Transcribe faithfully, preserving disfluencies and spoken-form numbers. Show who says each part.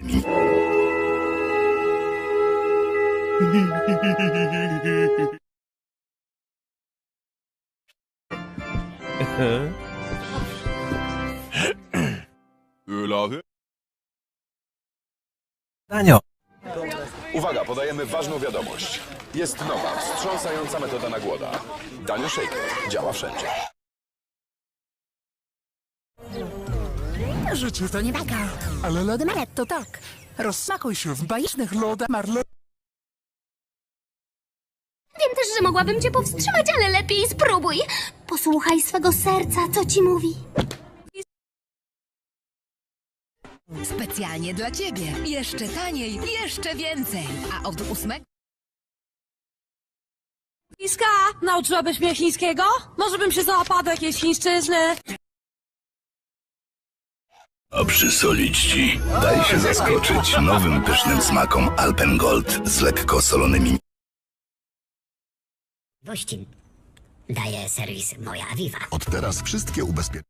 Speaker 1: Ölawy?
Speaker 2: Danio.
Speaker 1: Uwaga, podajemy ważną wiadomość. Jest nowa, wstrząsająca metoda na głoda. Danio Shaker działa wszędzie.
Speaker 3: Życie to nie bajka, ale lody Maret to tak. Rozsmakuj się w bajecznych lodach Marle.
Speaker 4: Wiem też, że mogłabym cię powstrzymać, ale lepiej spróbuj. Posłuchaj swego serca, co ci mówi.
Speaker 5: Specjalnie dla ciebie. Jeszcze taniej, jeszcze więcej. A od ósmego...
Speaker 6: Iska, nauczyłabyś mnie chińskiego? Może bym się załapała do jakiejś chińszczyzny?
Speaker 7: A przysolić ci. Daj się zaskoczyć nowym pysznym smakom Alpengold z lekko solonymi.
Speaker 8: Wościn. Daje serwis Moja Aviva.
Speaker 7: Od teraz wszystkie ubezpieczenia.